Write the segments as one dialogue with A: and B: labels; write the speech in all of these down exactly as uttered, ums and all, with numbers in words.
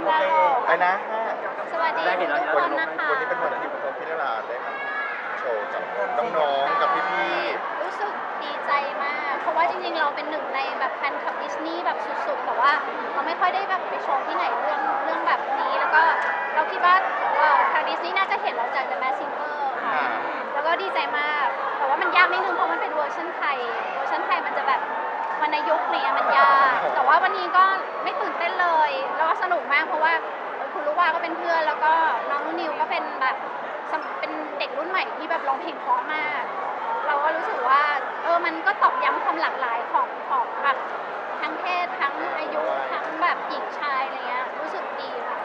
A: โอเคไปนะ
B: สวัสดีทุกคนนะคะ
A: วันนี้เป็นวันที่ผมพี่นราได้มาโชว์กับน้องๆกับพี่
B: ๆรู้สึกดีใจมาก เพราะว่าจริงๆเราเป็นหนึ่งในแบบแฟนคลับดิสนีย์แบบสุดๆแต่ว่าเราไม่ค่อยได้แบบไปโชว์ที่ไหนเรื่องเรื่องแบบนี้แล้วก็เราคิดว่าทางดิสนีย์น่าจะเห็นเราจาก The Masked Singer ค่ะแล้วก็ดีใจมากแต่ว่ามันยากนิดนึงเพราะมันเป็นเวอร์ชันไทยเวอร์ชันไทยมันจะแบบวรรณยุกต์เนี่ยมันยากแต่ว่าวันนี้ก็ไม่ตื่นเต้นเลยแล้วก็สนุกมากเพราะว่าคุณลูกว่าก็เป็นเพื่อนแล้วก็น้องนิวก็เป็นแบบเป็นเด็กรุ่นใหม่ที่แบบร้องเพลงเพราะมากเราก็รู้สึกว่าเออมันก็ตอกย้ำความหลากหลายของของแบบทั้งเพศทั้งอายุทั้งแบบหญิงชายอะไรเงี้ยรู้สึกดีค่ะ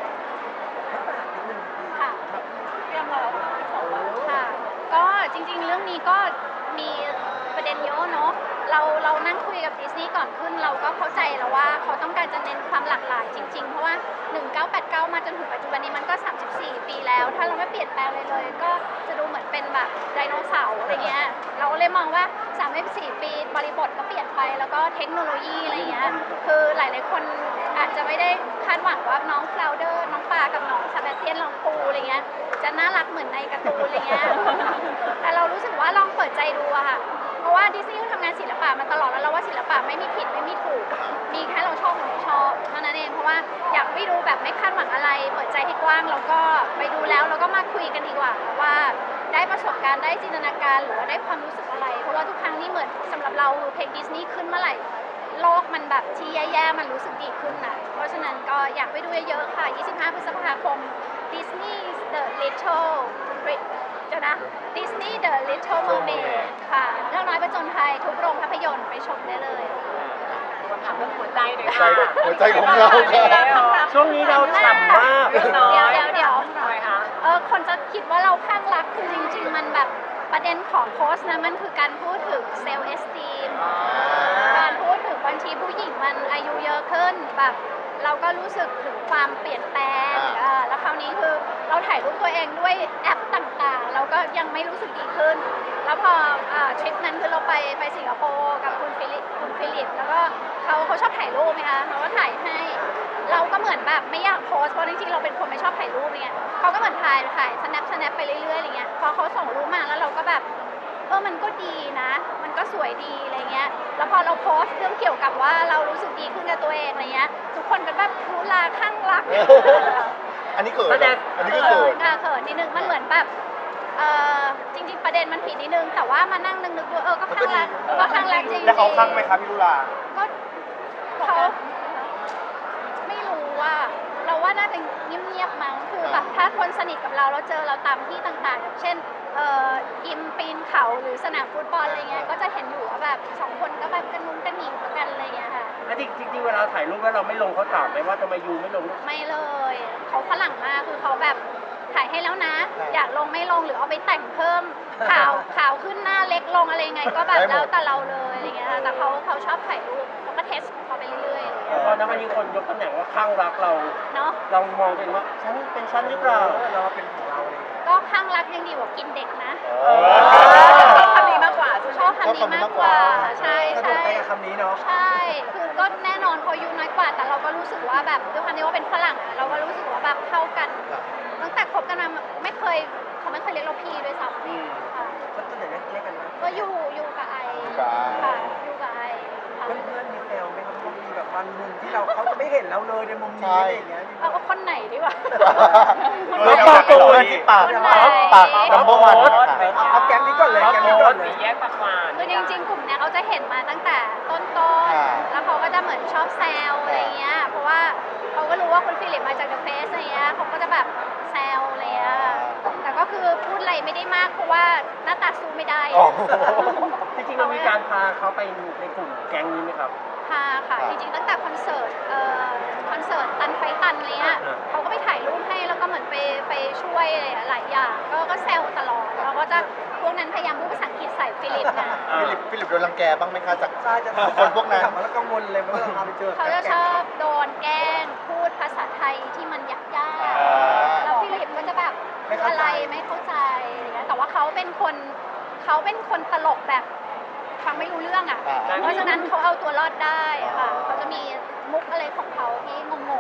B: ค่ะเตรียมเราค่ะก็จริงๆเรื่องนี้ก็มีประเด็นเยอะเนาะเราเรานั่งคุยกับดิสนีย์ก่อนขึ้นเราก็เข้าใจแล้วว่าเขาต้องการจะเน้นความหลากหลายจริงๆเพราะว่าหนึ่งเก้าแปดเก้ามาจนถึงปัจจุบันนี้มันก็สามสิบสี่ปีแล้วถ้าเราไม่เปลี่ยนแปลงเลยเลยก็จะดูเหมือนเป็นแบบไดโนเสาร์อะไรเงี้ยเราเลยมองว่าสามสิบสี่ปีบริบทก็เปลี่ยนไปแล้วก็เทคโนโลยีอะไรเงี้ยคือหลายๆคนอาจจะไม่ได้คาดหวังว่าน้องฟลาวเดอร์น้องปลากับน้องซาเบเตียนลองปูอะไรเงี้ยจะน่ารักเหมือนในการ์ตูนอะไรเงี้ยแต่เรารู้สึกว่าลองเปิดใจดูอะค่ะเพราะว่าดิสนีย์ทำงานศิลปะมาตลอดแล้วเราว่าศิลปะไม่มีผิดไม่มีถูกมีแค่เราชอบหรือไม่ชอบเท่านั้นเองเพราะว่าอยากไปดูแบบไม่คาดหวังอะไรเปิดใจให้กว้างแล้วก็ไปดูแล้วเราก็มาคุยกันดีกว่าว่าได้ประสบการณ์ได้จินตนาการหรือว่าได้ความรู้สึกอะไรเพราะว่าทุกครั้งนี่เหมือนสำหรับเราเพลงดิสนีย์ขึ้นเมื่อไหร่โลกมันแบบที่แย่ๆมันรู้สึกดีขึ้นนะเพราะฉะนั้นก็อยากไปดูเยอะๆค่ะยี่สิบห้าพฤษภาคม Disney The Littleเดี๋ยวนะ Disney The Little Mermaid ค่ะเรื่องน้อยประจนภัยทุกโรงภาพยนตร์ไปชมได้เลย
C: มาถามเรื่องหัวใจหน่อย
A: ใจ
C: ค่ะ
A: หัวใจของเราครับ
D: ช่วงนี้เราฉ่ำมาก
B: เดี๋ยวเดี๋ยวเดี๋ยว
C: ทำไมคะ
B: เออคนจะคิดว่าเราข้างรักคือจริงๆมันแบบประเด็นของโพสต์นะมันคือการพูดถึงเซลล์เอสตีมการพูดถึงบางทีผู้หญิงมันอายุเยอะขึ้นแบบเราก็รู้สึกถึงความเปลี่ยนแปลงแล้วคราวนี้คือเราถ่ายรูปตัวเองด้วยแอปต่างๆเราก็ยังไม่รู้สึกดีขึ้นแล้วพอทริปนั้นคือเราไปไปสิงคโปร์กับคุณฟิลิปคุณฟิลิปแล้วก็เขาเขาชอบถ่ายรูปไหมคะเขาก็ถ่ายให้เราก็เหมือนแบบไม่อยากโพสเพราะจริงๆเราเป็นคนไม่ชอบถ่ายรูปเนี่ยเขาก็เหมือนถ่ายถ่าย snap snap ไปเรื่อยๆอะไรเงี้ยพอเขาส่งรูปมาแล้วเราก็แบบเออมันก็ดีนะมันก็สวยดีอะไรเงี้ยแล้วพอเราโพสเรื่องเกี่ยวกับว่าเรารู้สึกดีขึ้นกับตัวเองอะไรเงี้ยทุกคนก็แบบรู้ลาข้างรัก
A: อันนี้เกิดอันนี้ก็เกิด
B: ค่ะเขินนิดนึงมันเหมือนแบบเออจริงๆประเด็นมันผิดนิดนึงแต่ว่ามานั่งนึกๆดูเออก็ข้างรักก็ข้างรักจริงๆ
A: แล้วเขาข้างไหมครับพี่ลุลา
B: ก็เขาไม่รู้ว่าเราว่าน่าจะเงียบๆมั้งคือแบบถ้าคนสนิทกับเราแล้วเจอเราตามที่ต่างๆอย่างเช่นเอ่อยิมปีนเขาหรือสนามฟุตบอลอะไรเงี้ยก็จะเห็นอยู่ว่าแบบสองคนก็แบบกันนุ้งกันหนิงกันอะไรเงี้ยค่ะ
D: แล้วจริงๆเวลาถ่ายรูปแล้วเราไม่ลงเขาถามไหมว่าทำไมยูไม่ลง
B: ไม่เลยเขาฝรั่งมากคือเขาแบบถ่ายให้แล้วนะอยากลงไม่ลงหรือเอาไปแต่งเพิ่มขาวขาวขึ้นหน้าเล็กลงอะไรไงก็แบบแล้วแต่เราเลยอะไรเงี้ยแต่เขาเขาชอบถ่ายรูปเขาก็เทสของเขาไปเรื่อย
D: ๆพอนะวันนี้คนยกตำแหน่งว่าข้างรักเรา
B: เนาะ
D: เรามองเป็นว่าฉันเป็นฉันหรือเปล่า
A: เราเป็นของเราเลย
B: ก็ข้างรักยังดีกว่ากินเด็กนะ
C: ชอบคำนี้มากกว่า
B: ชอบคำนี้มากกว่าใช่ใช่
A: คำนี้เนาะ
B: ใช่คือก็แน่นอนเขาอายุน้อยกว่าแต่เราก็รู้สึกว่าแบบด้วยความที่ว่าเป็นฝรั่งเราก็รู้สึกว่าแบบเข้ากันตั้งแต่คบกันมาไม่เคยเขาไม่เคยเรียกเราพี่ด้วยซ้ำค่ะ
A: ก็ตัวไหนเรียกกันนะ
B: ก็อยู่อยู่กับไอค่ะอยู่กับไอ
A: เพื่อนเพื่อนมีแซวไหมครับมีแบบบางมุมที่เราเขาจะไม่เห็นเราเลยในมุมนี้อะไรอย่างเงี้ย
B: เอาคนไหนดีวะ
A: เพื่อนปากตัวที่ปากปากดัมเบิลวันเอาแก๊งนี้ก่อนเลยแก๊งนี้ก่อนเลย
C: แยกปากหวาน
B: คือจริงๆกลุ่มเนี้ยเขาจะเห็นมาตั้งแต่ต้นๆแล้วเขาก็จะเหมือนชอบแซวอะไรเงี้ยเพราะว่าเขาก็รู้ว่าคุณฟิลิปมาจากเดอะเฟสอะไรเงี้ยเขาก็จะแบบแซวอะไรเงี้ยแต่ก็คือพูดอะไรไม่ได้มากเพราะว่าหน้าตาสู้ไม่ได้
D: จริงๆเรามีการพาเขาไปในกลุ่มแก๊งนี้ไหมครับ
B: พาค่ะจริงๆตั้งแต่คอนเสิร์ตเอ่อคอนเสิร์ตตันไฟตันอะไรเงี้ยเขาก็ไปถ่ายรูปให้แล้วก็เหมือนไปไปช่วยหลายอย่างก็ก็แซวตลอดแล้วก็จะพวกนั้นพยายามพูดภาษาอังกฤษใส่ฟิลิปนะ
A: ฟิลิปฟิลิปโดนรังแกบ้างไหมคะจากคนพวกนั้นแล้วกังวลเลยเมื่อเราไปเจอ
B: เขาจะชอบโดนแกล้งพูดภาษาไทยที่มันยากๆแล้วฟิลิปก็จะแบบอะไรไม่เข้าใจอะไรเงี้ยแต่ว่าเขาเป็นคนเขาเป็นคนตลกแบบฟังไม่รู้เรื่องอ่ะเพราะฉะนั้นเขาเอาตัวรอดได้ค่ะเขาจะมีมุกอะไรของเขาที่งงๆ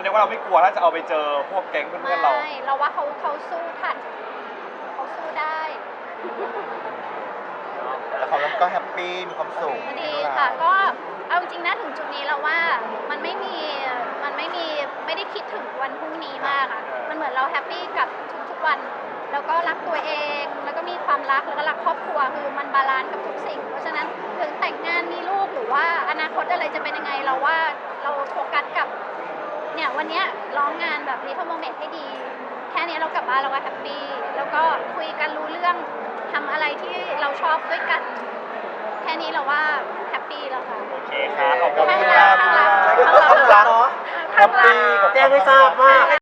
E: รียกว่าเราไม่กลัวถ้าจะเอาไปเจอพวกแก๊งเพื่อนๆเรา
B: ไม่เราว่าเขาเขาสู้ทันเขาสู้ได้
A: แต่เขาก็แฮปปี้มีความสุข
B: ดีค่ะก็เอาจริงๆนะถึงจุดนี้แล้วว่ามันไม่มีมันไม่มีไม่ได้คิดถึงวันพรุ่งนี้มากอ่ะมันเหมือนเราแฮปปี้กับทุกๆวัน แล้วก็รักตัวเองแล้วก็มีความรักแล้วก็รักครอบครัวคือมันบาลานซ์กับทุกสิ่ง เพราะฉะนั้นถึงแต่งงานมีลูกหรือว่าอนาคตอะไรจะเป็นยังไงเราว่าเราโฟกัสกับเนี่ยวันเนี้ยร้องงานแบบ Little Moment ให้ดี แค่นี้เรากลับบ้านเราก็แฮปปี้แล้วก็คุยกันรู้เรื่องทำอะไรที่เราชอบด้วยกัน แค่นี้เราว่าแฮปปี้แล้วค่ะ
E: โอเคครับขอบคุณ
B: ข้าง
E: ค
B: รั
E: รั
B: ก
E: บ
B: ข้างรัก
A: ใช้คำว่าข้างรักเนาะแฮปปี้กับ
D: แจ้งให้ทราบว่า